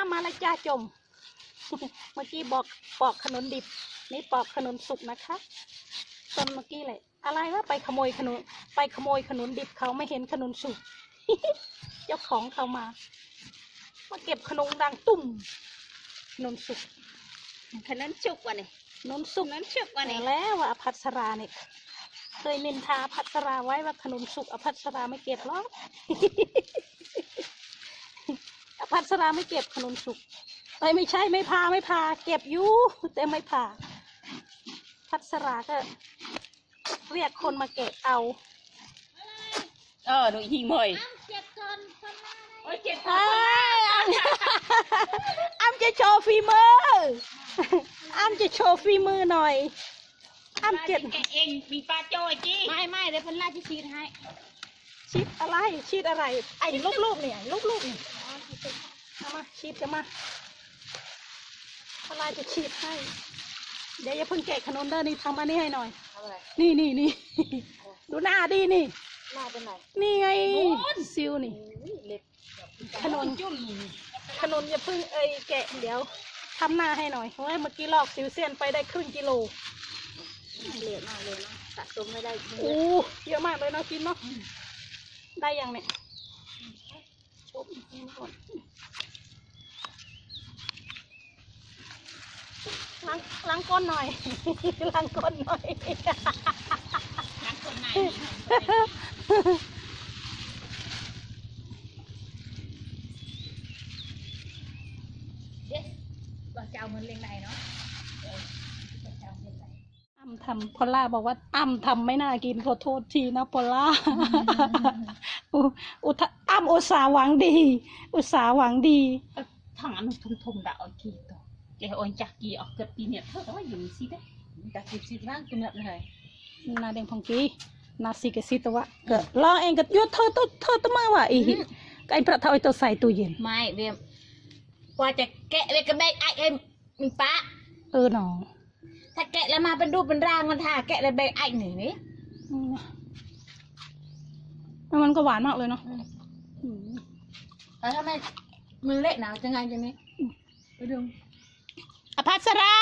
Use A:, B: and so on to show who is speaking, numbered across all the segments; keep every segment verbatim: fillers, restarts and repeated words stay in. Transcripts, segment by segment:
A: มาแล้วจ้าจม เมื่อกี้บอกปอกขนุนดิบนี่ปอกขนุนสุกนะคะตอนเมื่อกี้เลยอะไรวะไปขโมยขนุนไปขโมยขนุนดิบเขาไม่เห็นขนุนสุก เจ้าของเขามามาเก็บขนุนดังตุ่มขนุนสุกขนุนสุกวะเนี่ยขนุนสุกนั้นสุกวะเนี่ยแล้วว่าอภัสราเนี่ยเคยนินทาอภัสราไว้ว่าขนุนสุกอภัสราไม่เก็บหรอก อภัสราไม่เก็บขนุนสุกเอ้ยไม่ใช่ไม่พาไม่พาเก็บอยู่แต่ไม่พาพัสราก็เรียกคนมาเก็บเอา
B: เออดูหิงเมย
A: เจ็บจนโอ้ยเจ็บจนอ้ำจะโชว์ฝีมืออ้ำจะโชว์ฝีมือหน่อยอ้ำเจ็บ
B: เองมีปลาโจ้จี้
A: ไม่ไม่เดี๋ยวพันล่าจะชีดให้ชีดอะไรชีดอะไรไอ้ลูกๆเนี่ยลูกๆนี่เอามาชีดกันมาพันล่าจะชีดให้เดี๋ยวอย่าเพิ่งแกะขนมเด้อนี่ทำอันนี้ให้หน่อยนี่นี่นี่ดูหน้าดีนี่หน้าเป็นไหนนี่ไงซิวนี่ขนมจุ่มขนมอย่าเพิ่งเอ้ยแกะเดี๋ยวทำหน้าให้หน่อยเพราะว่าเมื่อกี้ลอกซิวเซียนไปได้ครึ่งกิโลเยอะมากเลยนะสะสมไม่ได้โอ้เยอะมากเลยเนาะกินเนาะได้ยังเนี่ยชมกินก่อนล้างล้างก้นหน่อยล้างก้นหน่อย
B: ล้างก้นไหนเด็กว่าเจ้ามันเลี้ยงไหนเนาะ
A: อ้ำทำพอลล่าบอกว่าอ้ำทำไม่น่ากินขอโทษทีนะพอลล่าอุทอ้ำอุตสาหวังดีอุตสาหวังดี
B: ทางอันทุ่มทุ่มด่าเอากี่ตัวเจ้าอันจักกี่ออกเกิดปีเนี่ยเท่ากับว่าอยู่สิได้จักสิบสิบล้านตัวเนี่ยเลย
A: นาเด้งพงกีนาสิกสิตัวเกิดลองเองก็ยุดเธอตัวเธอตัวมาว่าอีไอ้ประเทศตัวใส่ตู้เย็น
B: ไม่เวียมกว่าจะแกะเลยก็ได้ไอ้เอ็มมีป้า
A: เออหนอ
B: ถ้าแกะแล้วมาเป็นรูปเป็นร่างมันท่าแกะเลยได้ไอ้หนึ่งนี่
A: มันก็หวานมากเลยเนาะ
B: แล้วทำไมมือเละหนาวจะไงจะนี้ไปดู
A: อภัสรา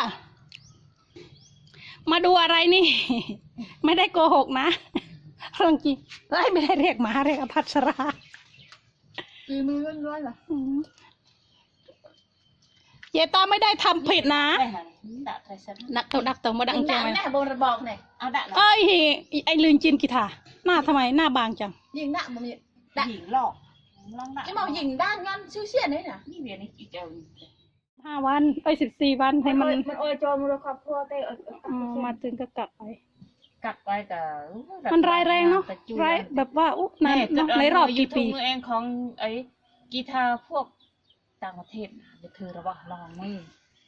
A: มาดูอะไรนี่ ไม่ได้โกหกนะเรื่องจริงเฮ้ยไม่ได้เรียกหมาเรียกอภัสรา
B: ปีมือล้วนๆเหรอ
A: เจตาไม่ได้ทำผิดนะนักเต่าดักเต่ามาดังจัง
B: เลยโบราบอกเนี่ยเอาดัก
A: เอ้ยไอ้ลืนจินกีตาหน้าทำไมหน้าบางจัง
B: ยิงดักมันมีดักยิงหลอกลองดักไอ้หมอยิงด้านงั้นชื่อเชี่ยนี่นะนี่เวียนนี่อีเจ้า
A: ห้าวันเอ้ยสิบสี่วันให้มัน
B: มันโอยจอมือครอบครัวเต้
A: มาถึงก็กลับไป
B: กลับไปแต่
A: มันร้ายแรงเนาะร้ายแบบว่าอุ๊ในในรอบกี่ปี
B: มือเองของไอ้กีตาร์พวกต่างประเทศเดี๋ยวเธอระวังลองมือ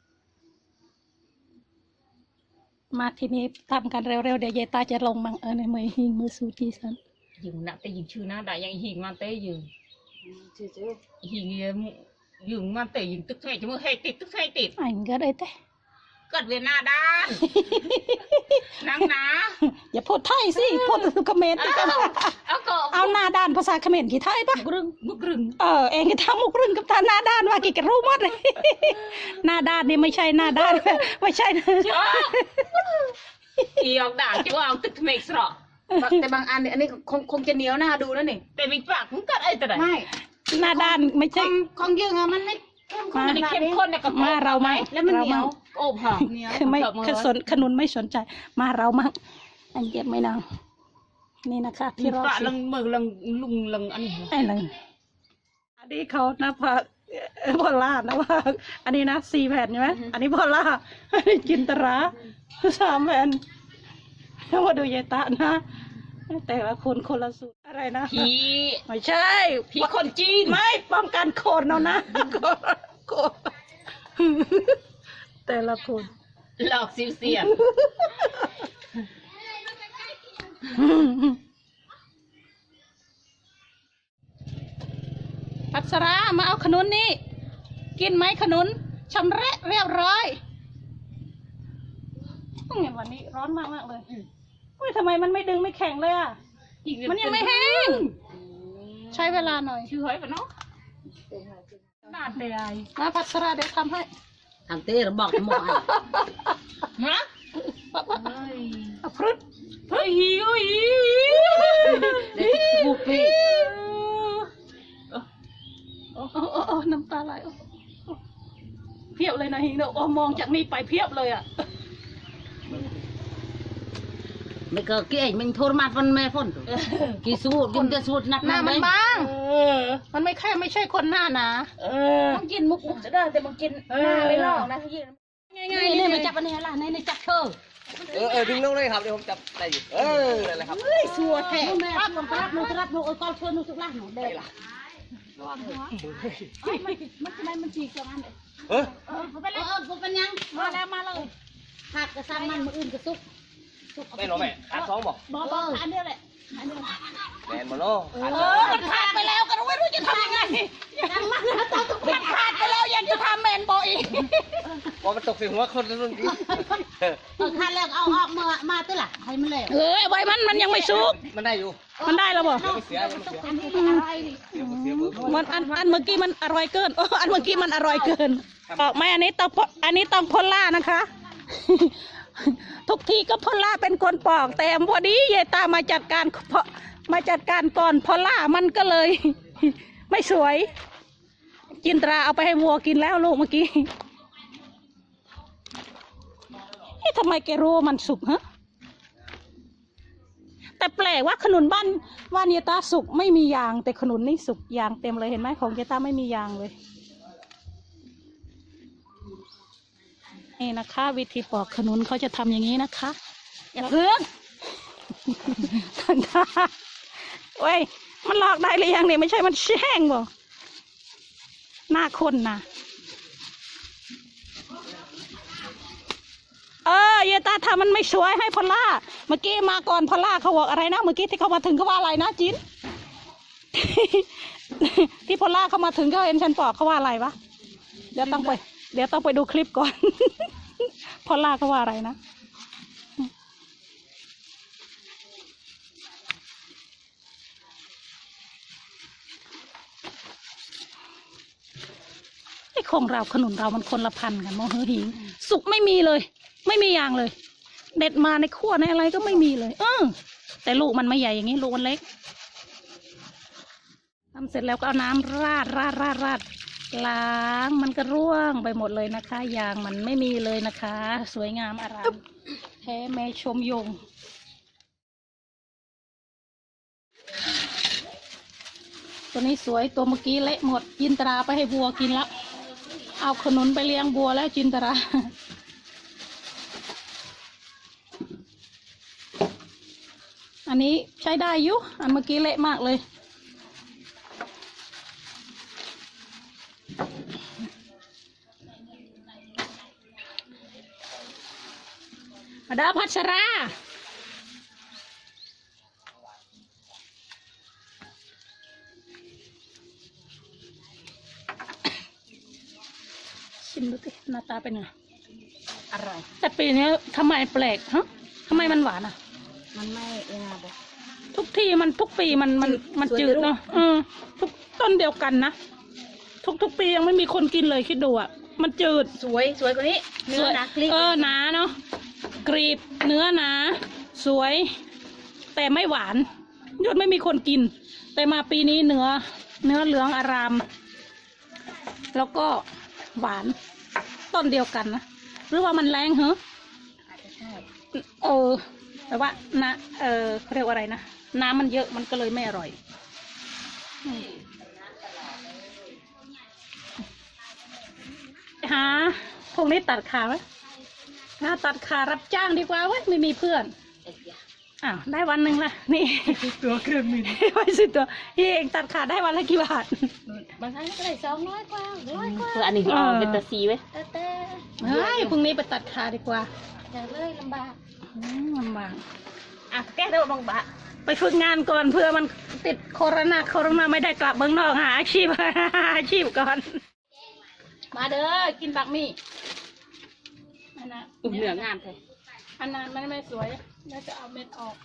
A: มาทีนี้ทำกันเร็วๆเดี๋ยวเยตาจะลงมังเออในมือหิงมือสูจีสัน
B: ยิงหนักแต่ยิงชื่อหน้าได้ยังหิงมันเต้ยิงหิงยิงมันเต้ยิงตึกไงจะมือให้ติดตึกไงติด
A: อันก็ได้แต่
B: เกิดเวียนหน้าด้านนังนะ
A: อย่าพูดไทยสิพูดเขมรติกัน
B: เอาก็
A: เอาหน้าด้านภาษาเขมรกี่ไทยปะ
B: มุกรึงมุกรึง
A: เออเองก็ทำมุกรึงกับตาหน้าด้านว่ากี่กระรู้หมดเลยหน้าด้านนี่ไม่ใช่หน้าด้านไม่ใช่
B: จ้าอีออกด่าจ้าเอาตึกเมกสระแต่บางอันเนี่ยอันนี้คงคงจะเหนียวหน้าดูแล้วนี่แต่มีปากมันกัดไอ้แต่ไหนไม่
A: หน้าด้านไม่ใช่
B: ของยืงอะมันไม่มาเข้มข้นในกระเพาะ
A: มาเราไม่
B: แล้วมันเหนียวโอ้ผ่า
A: คือไม่คือสนขนุนไม่สนใจมาเรามั่งอันเก็บไม่นางนี่นะคะที่เรา
B: ลังมือลังลุงลังอันนี้
A: ไอ้ลังอันนี้เขานะพอพอล่านะว่าอันนี้นะสี่แผ่นใช่ไหมอันนี้พอล่าอันนี้จินตราสามแผ่นแล้วมาดูยายตานะแต่ละคนคนละสูตรอะไรนะ
B: ผี
A: ไม่ใช่
B: ผีคนจีน
A: ไม่ป้องกันโคนเอานะโคนแต่ละคน
B: หลอกซิวเซียน
A: พัสรามาเอาขนุนนี่กินไหมขนุนชำระเรียบร้อยเห็นวันนี้ร้อนมากมากเลยเฮ้ยทำไมมันไม่ดึงไม่แข็งเลยอ่ะมันยังไม่แห้งใช้เวลาหน่อย
B: ชื่อหอยปะเนาะนาดเลยไอ้
A: มาพัสราเดี๋ยวทำให้
C: ทางเต้เราบอกหมด
B: ฮะ
A: ปั๊บปั๊บ
B: เฮ้ย
A: เอาพรึด
B: เฮ้ยหิวหิว
C: เด็กกูปี
A: โอ้โอ้โอ้โอ้น้ำตาไหลโอ้โอ้เพียบเลยนะฮิงเนอะโอ้มองจากนี้ไปเพียบเลยอ่ะ
C: ไม่ก็เกี่ยมันโทรมาฟันแม่พ่นกี่สูดกินจะสูดนัก
A: หน้ามันบาง
B: เออ
A: มันไม่แค่ไม่ใช่คนหน้าหนา
B: เออต้องกินมุกมุกจะได้แต่มันกินหน้าไม่ลอกนะพี่
A: ง่าย
C: นี่
A: ๆ
C: นี่
A: นี่
C: ไป
A: ไป
C: จั
A: จั
C: บบ อันนี้ล่ะนี่นี่จับเธอ
D: เออเออดึงลงเลยครับเดี๋ยวผมจับได้อยู่เออนั่นแหละครับ
A: เฮ้ยสัวแท้
C: แม่รับลงรับลงรับลงโอ้ยกอลเชิญนุสุกล่าหนูเด็ก
A: มันทำไมมันฉีกจังอันเลย
D: เออ
A: เออเขาไป
C: เอ
A: เลย
C: อผมเป็นยัง
A: มาแล้วมาเลย
C: ขาดกระซังมันมืออื่นกระซุก
D: ไม่หรอแม่ขาดสองบอก
A: บอบออันเดียวแหละอันเดียว
D: แมนมาโน่ขาด
A: เอ
D: สอง
A: อมันขาดไปแล้วก็ไม่รู้จะทำยังไงมันขาดไปแล้วยังจะทำแมนบออีก
D: พอมันตกใส่หัวคนรุ่นนี้
C: เออขาดแล้วเอาออกมามาตื้อล่ะให้มันเลย
A: เออไว้มันมันยังไม่สุก
D: มันได้อยู่
A: มันได้แล้วบ่
D: ยังไม่เสียยังไม่เสีย
C: อันนี้อะไรดิ
D: เสียเสียเบอร์
A: มันอันอันเมื่อกี้มันอร่อยเกินโอ้อันเมื่อกี้มันอร่อยเกินบอกไหมอันนี้ต้องพอันนี้ต้องพลล่านะคะ ทุกทีก็พลล่าเป็นคนปอกแต่พอดีเยายตามาจัดการเพาะมาจัดการก่อนพลล่ามันก็เลย ไม่สวย จินตราเอาไปให้วัวกินแล้วลูกเมื่อกี้เอ๊ะทำไมแกรู้ว่ามันสุกฮะแต่แปลกว่าขนุนบ้านบ้านเยายตาสุกไม่มียางแต่ขนุนนี่สุกยางเต็มเลยเห็นไหมของเยายตาไม่มียางเลยนี่นะคะ วิธีปอกขนุนเขาจะทำอย่างนี้นะคะอย่าเพิ่ง ทันท่าเว้ยมันหลอกได้หรือยังเนี่ยไม่ใช่มันแช่งบ่หน้าคนนะเออเยตาทำมันไม่สวยให้พอลล่าเมื่อกี้มาก่อนพอลล่าเขาบอกอะไรนะเมื่อกี้ที่เขามาถึงเขาว่าอะไรนะจิน ที่พอลล่าเขามาถึงเขาเห็นฉันปอกเขาว่าอะไรวะเดี๋ยวต้องไป เดี๋ยวต้องไปดูคลิปก่อน พอลล่าเขาว่าอะไรนะไอ้ของเราขนุนเรามันคนละพันกันโมเฮหิงสุกไม่มีเลย ไม่มีอย่างเลย เด็ดมาในขั้วในอะไรก็ไม่มีเลย เออแต่ลูกมันไม่ใหญ่อย่างนี้ลูกมันเล็กทำเสร็จแล้วก็เอาน้ำราดราดราดราดล้างมันก็ร่วงไปหมดเลยนะคะยางมันไม่มีเลยนะคะ สวยงามอารามแท้แม่ชมยงตัวนี้สวยตัวเมื่อกี้เละหมดจินตราไปให้บัวกินแล้วเอาขนุนไปเลี้ยงบัวแล้วจินตราอันนี้ใช้ได้อยู่อันเมื่อกี้เละมากเลยมาดาพัชราชิมดูสิหน้าตาเป็นไง
C: อร่อย
A: แต่ปีนี้ทำไมแปลกฮะทำไมมันหวานอ่ะ
C: มันไม่เองอะบอก
A: ทุกทีมันทุกปีมันมันมันจืดเนาะอืมทุกต้นเดียวกันนะทุกทุกปียังไม่มีคนกินเลยคิดดูอ่ะมันจืด
B: สวยสวยกว่านี้เนื้อหนักกรีบ
A: เออหนาเนาะกรีบเนื้อหนาสวย แต่ไม่หวานยอดไม่มีคนกิน แต่มาปีนี้เนื้อเนื้อเหลืองอาราม แล้วก็หวานต้นเดียวกันนะหรือว่ามันแรงเหรอ
B: อาจจะใช่
A: เออแต่ว่านะเออเขาเรียกว่าอะไรนะน้ำมันเยอะมันก็เลยไม่อร่อยอืมหาพวกนี้ตัดขาไหมหาตัดขารับจ้างดีกว่าเว้ยไม่มีเพื่อนอ้าวได้วันหนึ่งละนี่
B: ตัวเครื่องมิน
A: ไว้สิตัวพี่เองตัดขาได้วันละกี่บาท
B: บางครั้งก็ได้สองร้อยกว่าร้อยกว่า
C: คืออันนี้
A: เออ
C: เป็นตะซีไว้
B: แต่แต่
A: เฮ้ยพรุ่งนี้ไปตัดขาดีกว่า
B: แต่เลยลำบาก
A: อืมลำบาก
B: อ่ะแก้เดี๋ยวบางบะ
A: ไปฝึกงานก่อนเพื่อมันติดโควิดโควิดไม่ได้กลับเมืองนอกหาอาชีพ หาอาชีพก่อน มาเด้อกินบักมี่อันนั้น
C: อุ่มเหนืองามเลย
A: อันนั้นมันไม่สวยแล้วจะเอาเม็ดออก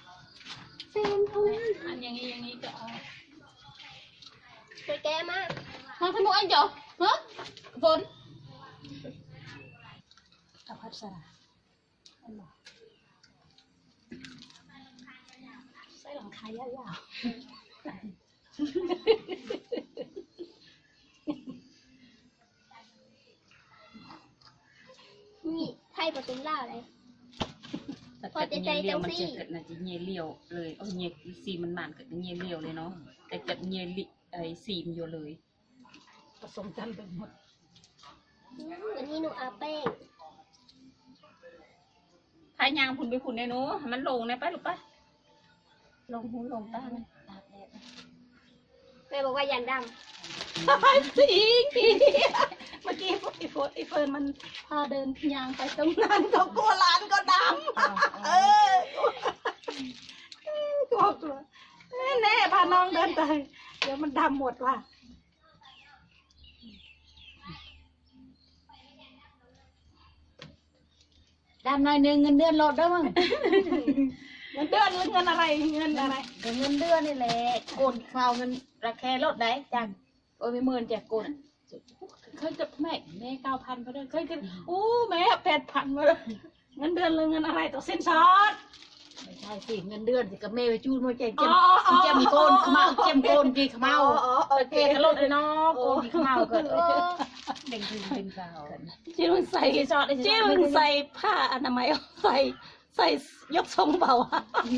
A: อันอย่างนี้อย่างนี้จะเอา
B: ไปแก้มาก
C: มาทำไมอันเจ้า
B: ฮะฝน
A: กับพัสราใส่หลังคายาวๆ
E: นี่ไทยผสมลาวเลย
C: แต่เกิดเงี้ยเลี้ยวมันจะเกิดน่าจะเงี้ยเลี้ยวเลยเอาเงี้ยซีมันมันเกิดเงี้ยเลี้ยวเลยเนาะแต่เกิดเงี้ยลิไอซีมอยู่เลย
A: ผสมกันเป็นหมด
E: อืมวันนี้หนูเอาแป้ง
B: พายางพุ่นไปพุ่นในหนูให้มันลงในไปหรือปะลงหูลงตามันตากแดด
E: แม่บอกว่ายันด
A: จริงจริงเมื่อกี้ไอ้โฟไอ้เฟิร์นมันพาเดินยางไปตรงนั้นก็กลัวร้านก็ดำเออกลัวกลัวแน่ๆพาน้องเดินไปเดี๋ยวมันดำหมดว่ะ
B: ดำหน่อยหนึงเงินเดือนลดได้มั้ง
A: เงินเดือนหรือเงินอะไรเงินอะไร
B: เงินเดือนนี่แหละโกนข้าวเงินราคาลดได้จังโอ้ยไม่หมื่นแจกโกนเคยจะแม่แม่เก้าพันไปเลยเคยจะอู้แม่แปดพันมาเลย
A: เงินเดือนหรือเงินอะไรตัวสิ้นซอด
B: ไม่ใช่สิเงินเดือนสิกับแม่ไปจูนมาเจ็บ
A: อ๋
B: เจ็บ
A: ออ๋อ
B: เจ็บโกนขมาเจ็บโกนจีขมา
A: อ๋ออ๋อโอ
B: โอ
A: เค
B: เคก็ลดเลยเนาะโกนจีขมาเกิดเด้งขึ้นเป็นสาว
A: จิ้มใส่
B: จีซอด
A: จิ้มใส่ผ้าอนามัยใส่ใส่ยกทรงเบาอะ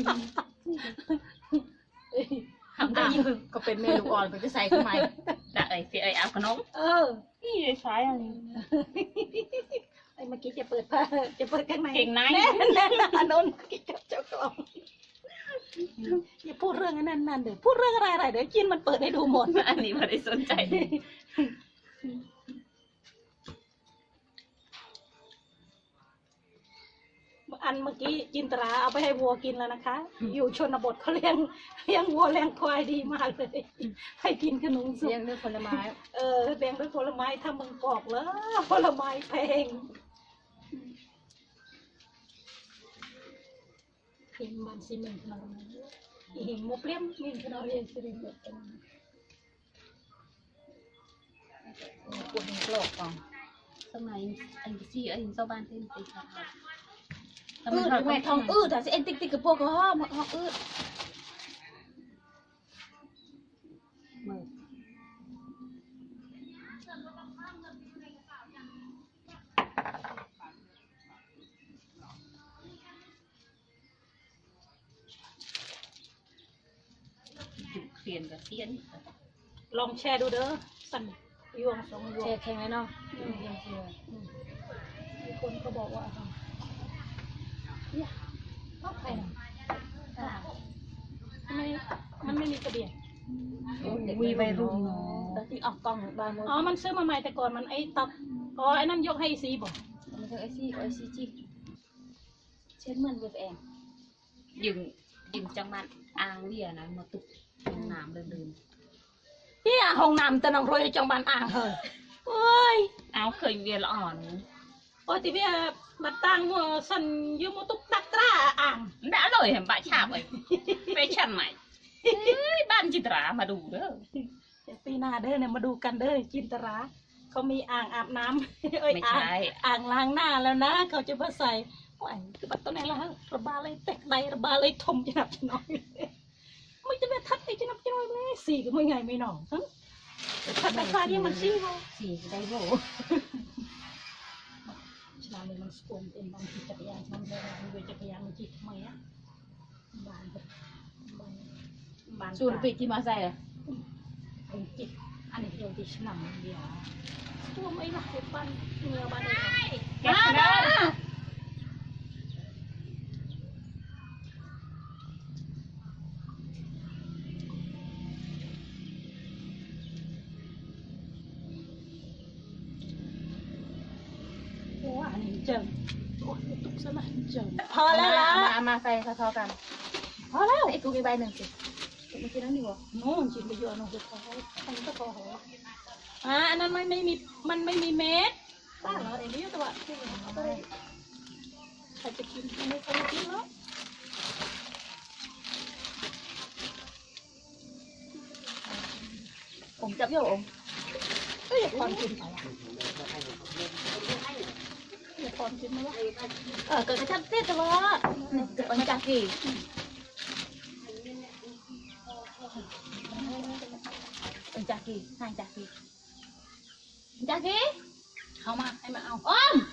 B: ทำได้ยิ่งก็เป็นเมลูกอ่อนก็จะใส่ทำไม
C: แต่ไอเสียไอเอาขนม
A: เออ
B: นี่ใช้อะไร
A: ไอ้เมื่อกี้จะเปิดผ้าจะเปิดข้างใน
C: เก่งใน
A: แน่แน่อันนนกิจเจ้ากล่องอย่าพูดเรื่องนั้นนั่นเดี๋ยวพูดเรื่องอะไรอะไรเดี๋ยวจินมันเปิดให้ดูหมด
C: อันนี้ไม่ได้สนใจ
A: อันเมื่อกี้จินตราเอาไปให้วัวกินแล้วนะคะ อยู่ชนบทเขาเลี้ยงเลี้ยงวัวเลี้ยงควายดีมากเลย ให้กินขนมสุก
B: เลี้ยงด้วยผลไม้
A: เออเลี้ยงด้วยผลไม้ถ้ามึงกอกแล้วผลไม้แพงพิมพ์มันซีเมนต์ขนาดนั้นอีหิงโมเปรี้ยมมินขนาดเรียนซีเมนต์แบบนั้น
B: ปวดหัวโลกก่อน
C: สมัยอันที่ไอ้ชาวบ้านเต้นตีค่ะ
B: อืดแม่ทองอืดแต่สิเอ็นติ๊กติ๊กกับพวกเขาห้อมห้องอืด
C: มือ เปลี่ยนกับเสียน
A: ลองแชร์ดูเด้อสั่นยวงสองยว
B: แช่
A: ง
B: แข็งเลยเนาะ
A: มีคนเขาบอกว่าเนี่ยต้องใครนะทำไมมันไม่มีกระเบียง
B: วีวัยรุ่นเนาะแต่ที่ออกกล้องบาง
A: อ๋อ มันซื้อมาใหม่แต่ก่อนมันไอ้ตับอ๋อ ไอ้นั่นยกให้ซีบอก
B: มันจะไอซี่ไอซีจีเช่นเหมือนกับแอม
C: ยึงยึงจังมันอ่างเวียนะมาตุกน้ำเดิน
A: เนี่ยห้องน้ำตะนองโรยจังบานอ่างเหรอโอ้ย
C: ๆเอาเคยเวียละอ่อน
A: โอ้ยที่เวียมาตั้งหัวสันยูมุตุกตักตราอ่าง
C: đã rồi hẻm bãi chạp ấy về chân mày banจิตรามาดูเด้อ
A: เดี๋ยวปีหน้าเด้อเนี่ยมาดูกันเด้อจินตราเขามีอ่างอาบน้ำ เอ้ย
C: ไม่
A: อ่าง
C: ใช่
A: อ่างล้างหน้าแล้วนะ เขาจะมาใส่โอ้ยคือบัตรตัวไหนละระบาเลยแตกใดระบาเลยทมจะนับจะน้อยไม่จะไปทัดไอ้จะนับจะน้อยเลยสี่ก็ไม่ไงไม่หนองทั้งทัดแต่ฟ้าที่มันซี่วะ
B: สี่ได้โบ
A: ฉลามเลยมันสกุลเป็นบางทีจักรยานมันเลยมันเวจักรยานมันจีทำไมอ่ะบานแบบบานบาน
B: สูตรปีที่มาใส่เลย
A: เป็นจิตอันนี้เดียวที่ฉลามเดียวตัวไม่หลักเป็นบ้านเงือบ้านเลย
B: แกนะ
A: โอ้อันนี้เจิงโอ้ยตุกซะนะเจิงพอแล้วล่ะ
B: มามาใส่ทอๆกัน
A: พอแล้ว
B: ไอ้กูมีใบหนึ่งสิเมื่อกี้นั่นนี่วะ
A: นู่นจิตไปเยอะนู่นคือพออันนี้ก็พอหัวอ่าอันนั้นมันไม่มีมันไม่มีเม็ดบ้าเหรอไอ้นี่แต่ว่าใครจะกินไม่ใครจะกินเนาะ
B: ผมจับโยม
A: ก็อย่าพรกินไปอ่ะอย่าพรกินไหมวะ
B: เออเกิดกระชับเส้นตัวเกิดปัญจกีปัญจกีนายจักรีจักรี
C: เข้ามาให้มาเอา
B: อ้อม